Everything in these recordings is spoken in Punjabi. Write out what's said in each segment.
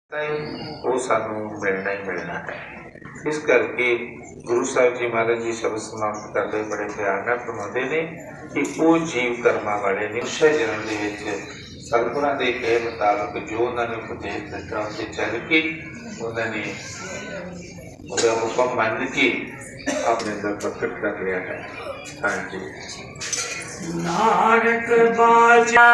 वो सानू मिलना ही मिलना है। इस करके गुरु साहिब जी महाराज जी शब्द समाप्त करते बड़े प्यार नाल फरमाते ने कि वो जीव कर्मा वाले निश्चय जन्म दे विच सतगुरां दे कहे मुताबिक जो उन्होंने उपदेश दिता उसे चल के उन्होंने उसका हुक्म मान के अपने अंदर प्रकट कर लिया है। हाँ जी। नानक बाजा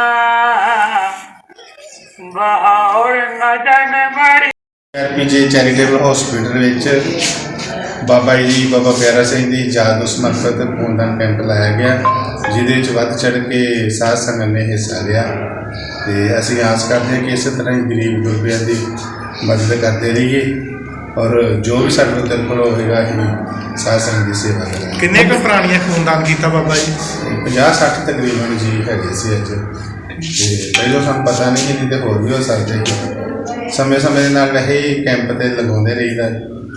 बाहर नदन मरी पीजे चैरिटेबल हॉस्पिटल विच बाबा जी बाबा प्यारा सिंह की याद ਨੂੰ ਸਮਰਪਿਤ ਖੂਨਦਾਨ ਕੈਂਪ ਲਾਇਆ ਗਿਆ, ਜਿਹਦੇ ਵਿੱਚ ਵੱਧ ਚੜ੍ਹ ਕੇ ਸਾਧ ਸੰਗਤ ਨੇ ਹਿੱਸਾ ਲਿਆ ਤੇ ਅਸੀਂ ਆਸ ਕਰਦੇ ਹਾਂ ਕਿ ਇਸੇ ਤਰ੍ਹਾਂ ਹੀ ਗਰੀਬ ਗੁਰਬਿਆਂ ਦੀ ਮਦਦ ਕਰਦੇ ਰਹੀਏ ਔਰ ਜੋ ਵੀ ਸਾਡੇ ਕੋਲ ਹੋਵੇਗਾ ਅਸੀਂ ਸਾਧ ਸੰਗਤ ਦੀ ਸੇਵਾ ਕਰਾਂਗੇ। ਕਿੰਨੇ ਕੁ ਪ੍ਰਾਣੀਆਂ ਖੂਨਦਾਨ ਕੀਤਾ ਬਾਬਾ ਜੀ? 50-60 ਤਕਰੀਬਨ ਜੀ ਹੈਗੇ ਸੀ ਅੱਜ ਤੇ ਪਹਿਲਾਂ ਸਾਨੂੰ ਪਤਾ ਨਹੀਂ ਕਿ ਤੇ ਹੋਰ ਵੀ ਹੋ ਸਕਦੇ ਸਮੇਂ ਸਮੇਂ ਦੇ ਨਾਲ ਵੈਸੇ ਹੀ ਕੈਂਪ ਤੇ ਲਗਾਉਂਦੇ ਰਹੀਦਾ।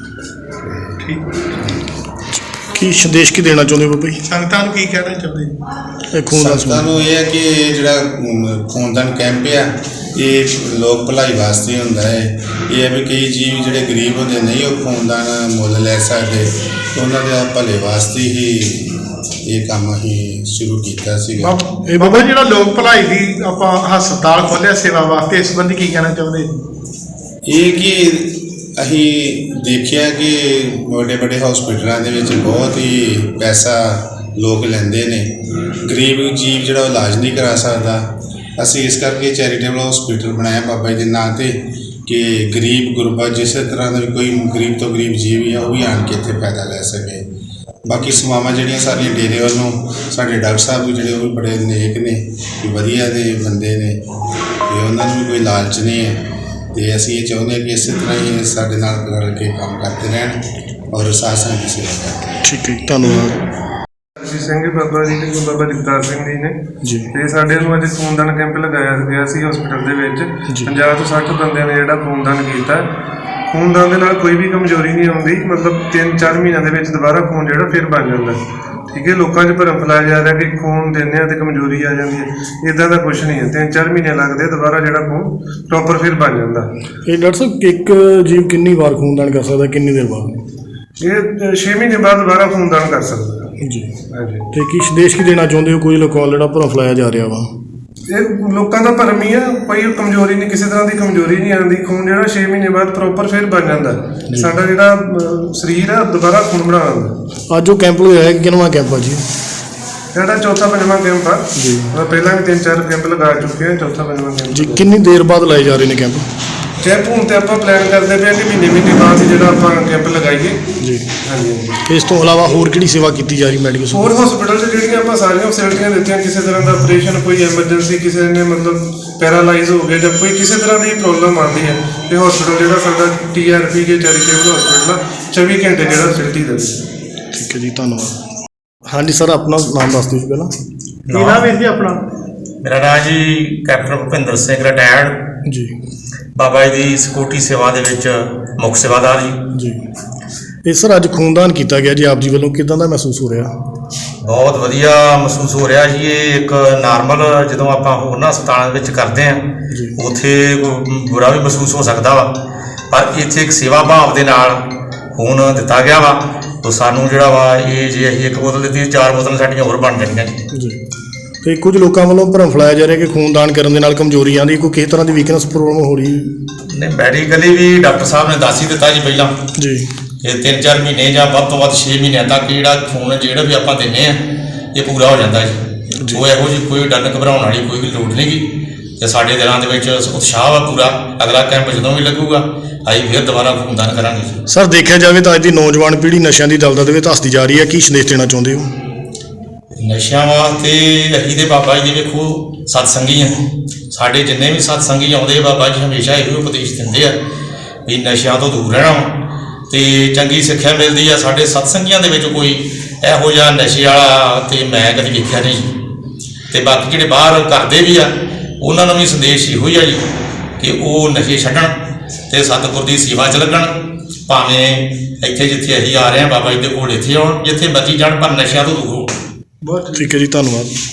ਕੀ ਸੰਦੇਸ਼ ਕੀ ਦੇਣਾ ਚਾਹੁੰਦੇ ਬਾਬਾ ਜੀ? ਸੰਗਤਾਂ ਨੂੰ ਕੀ ਕਹਿਣਾ ਚਾਹੁੰਦੇ? ਸੰਗਤਾਂ ਨੂੰ ਇਹ ਹੈ ਕਿ ਜਿਹੜਾ ਖੂਨਦਾਨ ਕੈਂਪ ਆ ਇਹ ਲੋਕ ਭਲਾਈ ਵਾਸਤੇ ਹੁੰਦਾ ਹੈ। ਇਹ ਹੈ ਵੀ ਕਈ ਜੀਵ ਜਿਹੜੇ ਗਰੀਬ ਹੁੰਦੇ ਨਹੀਂ ਉਹ ਖੂਨਦਾਨ ਮੁੱਲ ਲੈ ਸਕਦੇ, ਉਹਨਾਂ ਦੇ ਭਲੇ ਵਾਸਤੇ ਹੀ ਇਹ ਕੰਮ ਅਸੀਂ ਸ਼ੁਰੂ ਕੀਤਾ ਸੀਗਾ। ਇਹ ਬਾਬਾ ਜਿਹੜਾ ਲੋਕ ਭਲਾਈ ਦੀ ਆਪਾਂ ਹਸਪਤਾਲ ਖੋਲ੍ਹਿਆ ਸੇਵਾ ਵਾਸਤੇ, ਇਸ ਸੰਬੰਧੀ ਕੀ ਕਹਿਣਾ ਚਾਹੁੰਦੇ? ਇਹ ਕਿ ਅਸੀਂ ਦੇਖਿਆ ਕਿ ਵੱਡੇ ਵੱਡੇ ਹਸਪੀਟਲਾਂ ਦੇ ਵਿੱਚ ਬਹੁਤ ਹੀ ਪੈਸਾ ਲੋਕ ਲੈਂਦੇ ਨੇ, ਗਰੀਬ ਜੀਵ ਜਿਹੜਾ ਉਹ ਇਲਾਜ ਨਹੀਂ ਕਰਾ ਸਕਦਾ। ਅਸੀਂ ਇਸ ਕਰਕੇ ਚੈਰੀਟੇਬਲ ਹਸਪੀਟਲ ਬਣਾਇਆ ਬਾਬਾ ਜੀ ਦੇ ਨਾਂ 'ਤੇ ਕਿ ਗਰੀਬ ਗੁਰਬਾ ਜਿਸੇ ਤਰ੍ਹਾਂ ਦਾ ਵੀ ਕੋਈ ਗਰੀਬ ਤੋਂ ਗਰੀਬ ਜੀਵ ਆ ਉਹ ਵੀ ਆਣ ਕੇ ਇੱਥੇ ਫਾਇਦਾ ਲੈ ਸਕੇ। ਬਾਕੀ ਸੇਵਾਵਾਂ ਜਿਹੜੀਆਂ ਸਾਰੀਆਂ ਡੇਰੇ ਵੱਲੋਂ ਸਾਡੇ ਡਾਕਟਰ ਸਾਹਿਬ ਵੀ ਜਿਹੜੇ ਉਹ ਵੀ ਬੜੇ ਨੇਕ ਨੇ, ਵਧੀਆ ਦੇ ਬੰਦੇ ਨੇ ਅਤੇ ਉਹਨਾਂ ਨੂੰ ਵੀ ਕੋਈ ਲਾਲਚ ਨਹੀਂ ਹੈ ਅਤੇ ਅਸੀਂ ਇਹ ਚਾਹੁੰਦੇ ਹਾਂ ਕਿ ਇਸੇ ਤਰ੍ਹਾਂ ਹੀ ਸਾਡੇ ਨਾਲ ਰਲ ਕੇ ਕੰਮ ਕਰਦੇ ਰਹਿਣ ਔਰ ਸਾਧ ਸੰਗਤ ਦੀ ਸੇਵਾ ਕਰਦੇ ਰਹਿਣ। ਠੀਕ ਹੈ, ਧੰਨਵਾਦ। ਸਿੰਘ ਬਾਬਾ ਜੀ ਤੇ ਬਾਬਾ ਜਗਤਾਰ ਸਿੰਘ ਜੀ ਨੇ ਜੀ ਤੇ ਸਾਡੇ ਨੂੰ ਅੱਜ ਖੂਨਦਾਨ ਕੈਂਪ ਲਗਾਇਆ ਗਿਆ ਸੀ ਹਸਪੀਟਲ ਦੇ ਵਿੱਚ। 50 ਤੋਂ 60 ਬੰਦਿਆਂ ਨੇ ਜਿਹੜਾ ਖੂਨਦਾਨ ਕੀਤਾ। ਖੂਨਦਾਨ ਦੇ ਨਾਲ ਕੋਈ ਵੀ ਕਮਜ਼ੋਰੀ ਨਹੀਂ ਆਉਂਦੀ, ਮਤਲਬ 3-4 ਮਹੀਨਿਆਂ ਦੇ ਵਿੱਚ ਦੁਬਾਰਾ ਖੂਨ ਜਿਹੜਾ ਫਿਰ ਬਣ ਜਾਂਦਾ। ਠੀਕ ਹੈ, ਲੋਕਾਂ 'ਚ ਭਰਮ ਫੈਲਾਇਆ ਜਾ ਰਿਹਾ ਕਿ ਖੂਨ ਦਿੰਦੇ ਆ ਤੇ ਕਮਜ਼ੋਰੀ ਆ ਜਾਂਦੀ ਹੈ, ਇੱਦਾਂ ਦਾ ਕੁਛ ਨਹੀਂ ਹੈ। 3-4 ਮਹੀਨੇ ਲੱਗਦੇ ਦੁਬਾਰਾ ਜਿਹੜਾ ਖੂਨ ਪ੍ਰੋਪਰ ਫਿਰ ਬਣ ਜਾਂਦਾ। ਇਹ ਡਾਕਟਰ ਸਾਹਿਬ ਇੱਕ ਜੀਵ ਕਿੰਨੀ ਵਾਰ ਖੂਨਦਾਨ ਕਰ ਸਕਦਾ, ਕਿੰਨੀ ਦੇਰ ਬਾਅਦ? ਇਹ 6 ਮਹੀਨੇ ਬਾਅਦ ਦੁਬਾਰਾ ਖੂਨਦਾਨ ਕਰ ਸਕਦਾ ਜੀ। ਹਾਂਜੀ। ਤੇ ਕੀ ਸੰਦੇਸ਼ ਕੀ ਦੇਣਾ ਚਾਹੁੰਦੇ ਹੋ? ਕੋਈ ਲੋਕਾਂ ਵੱਲ ਜਿਹੜਾ ਭਰਮ ਫੈਲਾਇਆ ਜਾ ਰਿਹਾ ਵਾ, ਇਹ ਲੋਕਾਂ ਦਾ ਭਰਮ ਹੀ ਆ, ਕੋਈ ਕਮਜ਼ੋਰੀ ਨਹੀਂ, ਕਿਸੇ ਤਰ੍ਹਾਂ ਦੀ ਕਮਜ਼ੋਰੀ ਨਹੀਂ ਆਉਂਦੀ। ਖੂਨ ਜਿਹੜਾ 6 ਮਹੀਨੇ ਬਾਅਦ ਪ੍ਰੋਪਰ ਫਿਰ ਬਣ ਜਾਂਦਾ। ਸਾਡਾ ਜਿਹੜਾ ਸਰੀਰ ਆ ਦੁਬਾਰਾ ਖੂਨ ਬਣਾ ਦਿੰਦਾ। ਅੱਜ ਉਹ ਕੈਂਪ ਲਗਾਇਆ ਹੈ, ਕਿੰਨਵਾਂ ਕੈਂਪ ਆ ਜੀ? ਸਾਡਾ 4-5ਵਾਂ ਕੈਂਪ ਆ ਜੀ। ਪਹਿਲਾਂ ਵੀ 3-4 ਕੈਂਪ ਲਗਾ ਚੁੱਕੇ ਹਾਂ, 4-5ਵਾਂ ਕੈਂਪ ਜੀ। ਕਿੰਨੀ ਦੇਰ ਬਾਅਦ ਲਾਏ ਜਾ ਰਹੇ ਨੇ ਕੈਂਪ? ਕੈਂਪ ਹੁਣ ਤੇ ਆਪਾਂ ਪਲਾਨ ਕਰਦੇ ਪਏ ਕਿ ਮਹੀਨੇ ਬਾਅਦ ਹੀ ਜਿਹੜਾ ਆਪਾਂ ਕੈਂਪ ਲਗਾਈਏ ਜੀ। ਹਾਂਜੀ। ਇਸ ਤੋਂ ਇਲਾਵਾ ਹੋਰ ਕਿਹੜੀ ਸੇਵਾ ਕੀਤੀ ਜਾ ਰਹੀ ਮੈਡੀਕਲ? ਹੋਰ ਹਸਪੀਟਲ 'ਚ ਜਿਹੜੀਆਂ ਆਪਾਂ ਸਾਰੀਆਂ ਫੈਸਿਲਿਟੀਆਂ ਦਿੱਤੀਆਂ, ਕਿਸੇ ਤਰ੍ਹਾਂ ਦਾ ਆਪਰੇਸ਼ਨ, ਕੋਈ ਐਮਰਜੈਂਸੀ, ਕਿਸੇ ਨੇ ਮਤਲਬ ਪੈਰਾਲਾਈਜ਼ ਹੋ ਗਿਆ ਜਾਂ ਕੋਈ ਕਿਸੇ ਤਰ੍ਹਾਂ ਦੀ ਪ੍ਰੋਬਲਮ ਆਉਂਦੀ ਹੈ ਤੇ ਹਸਪੀਟਲ ਜਿਹੜਾ ਸਾਡਾ TRP ਕੇ ਚੈਰੀਟੇਬਲ ਹਸਪੀਟਲ 24 ਘੰਟੇ ਜਿਹੜਾ ਫੈਸਿਲਿਟੀ ਦਿੰਦਾ। ਠੀਕ ਹੈ ਜੀ, ਧੰਨਵਾਦ। ਹਾਂਜੀ ਸਰ, ਆਪਣਾ ਨਾਮ ਦੱਸ ਦਿਓ ਜੀ ਪਹਿਲਾਂ। ਕੀ ਨਾਮ ਹੈ ਜੀ ਆਪਣਾ? ਮੇਰਾ ਨਾਮ ਜੀ ਕੈਪਟਨ ਭੁਪਿੰਦਰ ਸਿੰਘ ਰਿਟਾਇਰਡ ਜੀ। ਬਾਬਾ ਜੀ ਦੀ ਸਿਕਿਉਰਟੀ ਸੇਵਾ ਦੇ ਵਿੱਚ ਮੁੱਖ ਸੇਵਾਦਾਰ ਜੀ। ਇਹ ਸਰ ਅੱਜ ਖੂਨਦਾਨ ਕੀਤਾ ਗਿਆ ਜੀ ਆਪ ਜੀ ਵੱਲੋਂ, ਕਿੱਦਾਂ ਦਾ ਮਹਿਸੂਸ ਹੋ ਰਿਹਾ? ਬਹੁਤ ਵਧੀਆ ਮਹਿਸੂਸ ਹੋ ਰਿਹਾ ਜੀ। ਇਹ ਇੱਕ ਨਾਰਮਲ ਜਦੋਂ ਆਪਾਂ ਹੋਰਨਾਂ ਹਸਪਤਾਲਾਂ ਵਿੱਚ ਕਰਦੇ ਹਾਂ ਉੱਥੇ ਬੁਰਾ ਵੀ ਮਹਿਸੂਸ ਹੋ ਸਕਦਾ ਵਾ, ਪਰ ਇੱਥੇ ਇੱਕ ਸੇਵਾ ਭਾਵ ਦੇ ਨਾਲ ਖੂਨ ਦਿੱਤਾ ਗਿਆ ਵਾ ਤਾਂ ਸਾਨੂੰ ਜਿਹੜਾ ਵਾ ਇਹ ਜੇ ਅਸੀਂ 1 ਬੋਤਲ ਦਿੱਤੀ 4 ਬੋਤਲਾਂ ਸਾਡੀਆਂ ਹੋਰ ਬਣ ਜਾਣੀਆਂ ਜੀ। ਤੇ ਕੁਝ ਲੋਕਾਂ ਵੱਲੋਂ ਭਰਮ ਫੈਲਾਇਆ ਜਾ ਰਿਹਾ ਕਿ ਖੂਨਦਾਨ ਕਰਨ ਦੇ ਨਾਲ ਕਮਜ਼ੋਰੀ ਆਉਂਦੀ, ਕੋਈ ਕਿਸੇ ਤਰ੍ਹਾਂ ਦੀ ਵੀਕਨੈਸ ਪ੍ਰੋਬਲਮ ਹੋ ਰਹੀ? ਨਹੀਂ, ਮੈਡੀਕਲੀ ਵੀ ਡਾਕਟਰ ਸਾਹਿਬ ਨੇ ਦੱਸ ਹੀ ਦਿੱਤਾ ਜੀ ਪਹਿਲਾਂ ਜੀ। ਇਹ 3-4 ਮਹੀਨੇ ਜਾਂ ਵੱਧ ਤੋਂ ਵੱਧ 6 ਮਹੀਨਿਆਂ ਤੱਕ ਜਿਹੜਾ ਖੂਨ ਜਿਹੜਾ ਵੀ ਆਪਾਂ ਦਿੰਦੇ ਹਾਂ ਇਹ ਪੂਰਾ ਹੋ ਜਾਂਦਾ ਜੀ। ਉਹ ਇਹੋ ਜਿਹੀ ਕੋਈ ਡਰ ਘਬਰਾਉਣ ਵਾਲੀ ਕੋਈ ਲੋੜ ਨਹੀਂ ਗੀ ਅਤੇ ਸਾਡੇ ਦਿਲਾਂ ਦੇ ਵਿੱਚ ਉਤਸ਼ਾਹ ਵਾ ਪੂਰਾ। ਅਗਲਾ ਕੈਂਪ ਜਦੋਂ ਵੀ ਲੱਗੂਗਾ ਅਸੀਂ ਫਿਰ ਦੁਬਾਰਾ ਖੂਨਦਾਨ ਕਰਾਂਗੇ ਜੀ। ਸਰ ਦੇਖਿਆ ਜਾਵੇ ਤਾਂ ਅੱਜ ਦੀ ਨੌਜਵਾਨ ਪੀੜ੍ਹੀ ਨਸ਼ਿਆਂ ਦੀ ਦਲਦਲ ਦੇ ਵਿੱਚ ਧੱਸਦੀ ਜਾ ਰਹੀ ਹੈ, ਕੀ ਸੰਦੇਸ਼ ਦੇਣਾ ਚਾਹੁੰਦੇ ਹੋ? ਨਸ਼ਿਆਂ ਵਾਸਤੇ ਅਸੀਂ ਦੇ ਬਾਬਾ ਜੀ ਦੇ ਵੇਖੋ ਸਤਸੰਗੀ ਆ, ਸਾਡੇ ਜਿੰਨੇ ਵੀ ਸਤਸੰਗੀ ਆਉਂਦੇ ਬਾਬਾ ਜੀ ਹਮੇਸ਼ਾ ਇਹੋ ਉਪਦੇਸ਼ ਦਿੰਦੇ ਆ ਵੀ ਨਸ਼ਿਆਂ ਤੋਂ ਦੂਰ ਰਹਿਣਾ ਅਤੇ ਚੰਗੀ ਸਿੱਖਿਆ ਮਿਲਦੀ ਆ। ਸਾਡੇ ਸਤਸੰਗੀਆਂ ਦੇ ਵਿੱਚ ਕੋਈ ਇਹੋ ਜਿਹਾ ਨਸ਼ੇ ਵਾਲਾ ਅਤੇ ਮੈਂ ਕਦੇ ਵੇਖਿਆ ਨਹੀਂ। ਅਤੇ ਬਾਕੀ ਜਿਹੜੇ ਬਾਹਰ ਕਰਦੇ ਵੀ ਆ ਉਹਨਾਂ ਨੂੰ ਵੀ ਸੰਦੇਸ਼ ਇਹੋ ਹੀ ਆ ਜੀ ਕਿ ਉਹ ਨਸ਼ੇ ਛੱਡਣ ਅਤੇ ਸਤਿਗੁਰ ਦੀ ਸੇਵਾ 'ਚ ਲੱਗਣ। ਭਾਵੇਂ ਇੱਥੇ ਜਿੱਥੇ ਅਸੀਂ ਆ ਰਹੇ ਹਾਂ ਬਾਬਾ ਜੀ ਦੇ ਕੋਲ ਇੱਥੇ ਆਉਣ, ਜਿੱਥੇ ਮਰਜ਼ੀ ਜਾਣ, ਪਰ ਨਸ਼ਿਆਂ ਤੋਂ ਦੂਰ ਹੋਣ। ਬਹੁਤ ਠੀਕ ਹੈ ਜੀ, ਧੰਨਵਾਦ।